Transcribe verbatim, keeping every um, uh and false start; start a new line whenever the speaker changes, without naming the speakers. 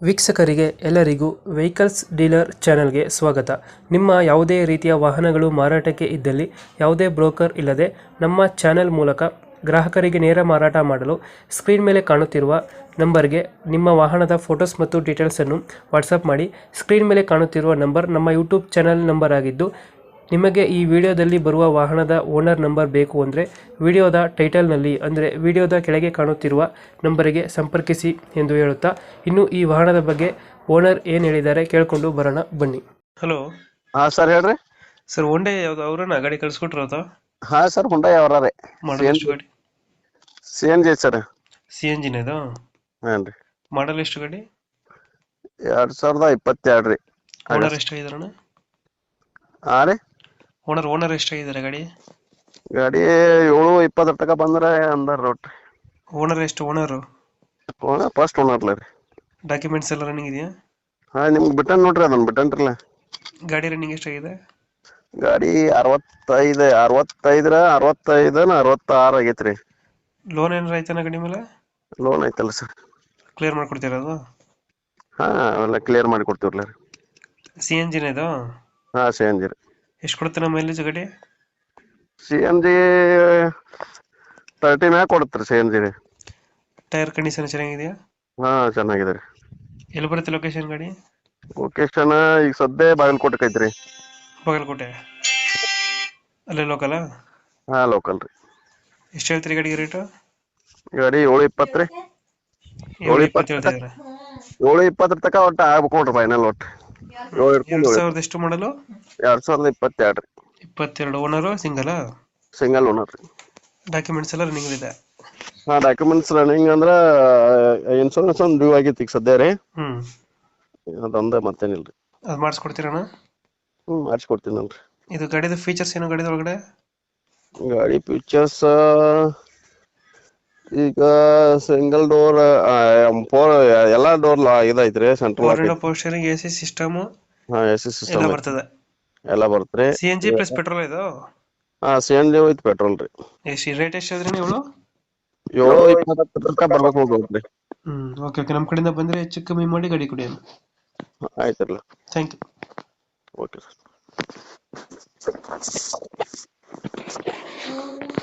ವೀಕ್ಷಕರಿಗೆ ಎಲ್ಲರಿಗೂ vehicles dealer ಚಾನೆಲ್ಗೆ ಸ್ವಾಗತ. ನಿಮ್ಮ ಯಾವುದೇ ರೀತಿಯ ವಾಹನಗಳು ಮಾರಾಟಕ್ಕೆ ಇದ್ದಲ್ಲಿ ಯಾವುದೇ ಬ್ರೋಕರ್ ಇಲ್ಲದೆ ನಮ್ಮ ಚಾನೆಲ್ ಮೂಲಕ ಗ್ರಾಹಕರಿಗೆ ನೇರ ಮಾರಾಟ ಮಾಡಲು ಸ್ಕ್ರೀನ್ ಮೇಲೆ ಕಾಣುತ್ತಿರುವ ನಂಬರ್ಗೆ ನಿಮ್ಮ ವಾಹನದ ಫೋಟೋಸ್ ಮತ್ತು ಡೀಟೇಲ್ಸನ್ನು ವಾಟ್ಸಪ್ ಮಾಡಿ. ಸ್ಕ್ರೀನ್ ಮೇಲೆ ಕಾಣುತ್ತಿರುವ ನಂಬರ್ ನಮ್ಮ ಯೂಟ್ಯೂಬ್ ಚಾನೆಲ್ ನಂಬರ್ ಆಗಿದ್ದು, ನಿಮಗೆ ಈ ವಿಡಿಯೋದಲ್ಲಿ ಬರುವ ವಾಹನದ ಓನರ್ ನಂಬರ್ ಬೇಕು ಅಂದರೆ ವಿಡಿಯೋದ ಟೈಟಲ್ನಲ್ಲಿ ಅಂದರೆ ವಿಡಿಯೋದ ಕೆಳಗೆ ಕಾಣುತ್ತಿರುವ ನಂಬರಿಗೆ ಸಂಪರ್ಕಿಸಿ ಎಂದು ಹೇಳುತ್ತಾ, ಇನ್ನು ಈ ವಾಹನದ ಬಗ್ಗೆ ಓನರ್ ಏನು ಹೇಳಿದ್ದಾರೆ ಕೇಳಿಕೊಂಡು ಬರೋಣ ಬನ್ನಿ. ಹಲೋ.
ಹಾ ಸರ್ ಹೇಳ್ರಿ.
ಸರ್ ಒಂದೇ ಯಾವ್ದು ಅವ್ರನ್ನ ಗಾಡಿ ಕಳ್ಸಿಕೊಟ್ರದ?
ಹಾ ಸರ್ ಹುಂಡೈ ಅವರ
ಮಾಡಲ್ ಎಷ್ಟು ಗಾಡಿ?
C N G sir.
C N ಜಿನ ಇದು?
ಹಾನ್ ರೀ.
ಮಾಡಲ್ ಎಷ್ಟು ಗಾಡಿ?
ಎರಡ್ ಸಾವಿರದ ಇಪ್ಪತ್ತೆರಡು ರೀ.
ಓನರ್ ಎಷ್ಟಾಗಿದಾರಣ?
ಹಾ ರೀ.
ಓನರ್ ಓನರ್ ಎಷ್ಟಾಗಿದ್ದಾರೆ ಗಾಡಿ?
ಗಾಡಿ ಏಳು ಇಪ್ಪತ್ತರ ತನಕ ಬಂದ್ರೆ ಅಂದಾರ ನೋಡ್ರಿ.
ಓನರ್ ಎಷ್ಟು? ಓನರು
ಓನರ್ ಫಸ್ಟ್ ಓನರ್ಲ ರೀ.
ಡಾಕ್ಯುಮೆಂಟ್ಸ್ ಎಲ್ಲ ರನ್ನಿಂಗ್ ಇದೆಯಾ?
ಹಾ ನಿಮ್ಗೆ ಬಿಟ್ಟನ್ ನೋಡ್ರಿ, ಅದನ್ನ ಬಿಟ್ಟನ್ರಲ್ಲ.
ಗಾಡಿ ರನ್ನಿಂಗ್ ಎಷ್ಟಾಗಿದೆ?
ಗಾಡಿ ಅರವತ್ತೈದು ಅರವತ್ತೈದರ ಅರವತ್ತೈದನ ಅರವತ್ತಾರು ಆಗೈತ್ರಿ.
ಲೋನ್ ಏನಾರ ಆಯ್ತಾನ ಗಾಡಿ ಮೇಲೆ?
ಲೋನ್ ಐತಲ್ಲ ಸರ್.
ಕ್ಲಿಯರ್ ಮಾಡ್ಕೊಡ್ತೀರ ಅದು?
ಹಾ ಅವೆಲ್ಲ ಕ್ಲಿಯರ್ ಮಾಡಿ ಕೊಡ್ತೀವ್ರಲ್ಲ ರೀ.
ಸಿ ಎನ್ ಜಿನ ಇದು?
ಹಾ ಸಿ ಎನ್ ಜಿ ರೀ.
ಎಷ್ಟು ಕೊಡುತ್ತೆ ನಮ್ಮ ಮೈಲೇಜ್ ಗಾಡಿ?
ಸಿ ಎನ್ ಜಿ ತರ್ಟಿ ಮ್ಯಾಗ ಕೊಡುತ್ತೆ ಸಿ ಎನ್ ಜಿ ರೀ.
ಟೈರ್ ಕಂಡೀಷನ್ ಚೆನ್ನಾಗಿದೆಯಾ?
ಹಾ ಚೆನ್ನಾಗಿದೆ ರೀ.
ಎಲ್ಲಿ ಬರುತ್ತೆ ಲೊಕೇಶನ್ ಗಾಡಿ?
ಲೊಕೇಶನ್ ಈಗ ಸದ್ಯ ಬಾಗಲಕೋಟೆ ಐತ್ರಿ.
ಬಾಗಲಕೋಟೆ ಅಲ್ಲೇ ಲೋಕಲ್?
ಹಾ ಲೋಕಲ್ ರೀ.
ಎಷ್ಟು ಹೇಳ್ತೀರಿ ಗಾಡಿಗೆ ರೇಟು?
ಗಾಡಿ ಏಳು ಇಪ್ಪತ್ತು ರೀ.
ಏಳು ಇಪ್ಪತ್ತು ಹೇಳ್ತಿದ್ದೀರಾ?
ಏಳು ಇಪ್ಪತ್ತರ ತನಕ ಒಟ್ಟು ಆಗ್ಬೇಕು ನೋಡ್ರಿ ಫೈನಲ್. ಒಟ್ಟು ಏಳು
ಎರಡು ಸಾವಿರದ ಎಷ್ಟು ಮಾಡಲು?
ಎರಡ್ ಸಾವಿರದ ಇಪ್ಪತ್ತೆರಡು ರೀ.
ಇಪ್ಪತ್ತೆರಡು. Owner single?
ಸಿಂಗಲ್ ಓನರ್ ರೀ.
ಡಾಕ್ಯುಮೆಂಟ್ಸ್ ಎಲ್ಲ ರನ್ನಿಂಗ್ ಇದೆ?
ಹಾ ಡಾಕ್ಯುಮೆಂಟ್ಸ್ ರನ್ನಿಂಗ್ ಅಂದ್ರ ಇನ್ಶೂರೆನ್ಸ್ ಒಂದು ಡ್ಯೂ ಆಗಿತ್ತು ಈಗ ಸದ್ಯ ರೀ.
ಹ್ಮ್
ಅದೊಂದ ಮತ್ತೇನಿಲ್ರಿ.
ಅದು ಮಾಡಿಸ್ಕೊಡ್ತೀರಣ್ಣ?
ಹ್ಮ್ ಮಾಡಿಸ್ಕೊಡ್ತೀನಲ್ರಿ.
ಇದು ಗಾಡಿದ ಫೀಚರ್ಸ್ ಏನು ಗಾಡಿದ ಒಳಗಡೆ?
ಗಾಡಿ ಫೀಚರ್ಸ್ ಈಗ ಸಿಂಗಲ್ ಡೋರ್ ಫೋರ್ ಎಲ್ಲಾ ಡೋರ್ ಇದೈತ್ರಿ. Central
power steering, A C system,
ಹಾ ಎ ಸಿ ಸಿಸ್ಟಮ್
ಎಲ್ಲ ಬರ್ತದೆ.
ಎಲ್ಲ ಬರುತ್ತೆ.
C N G plus petrol ಇದು?
ಹಾ C N G with petrol ರೀ.
ಎಷ್ಟು ರೇಟ್ ಎಷ್ಟು ಹೇಳಿದ್ರಿ ನೀವು?
ಏಳು ಇಪ್ಪತ್ತರ ತನಕ ಬರ್ಬೇಕು ನೋಡ್ರಿ.
Hmm okay okay. ನಮ್ಮ ಕಡೆಯಿಂದ ಬಂದ್ರೆ ಹೆಚ್ಚು ಕಮ್ಮಿ ಮಾಡಿ ಗಾಡಿ ಕೊಡಿ.
ಆಯ್ತಲ್ಲ.
Thank you.
Okay sir.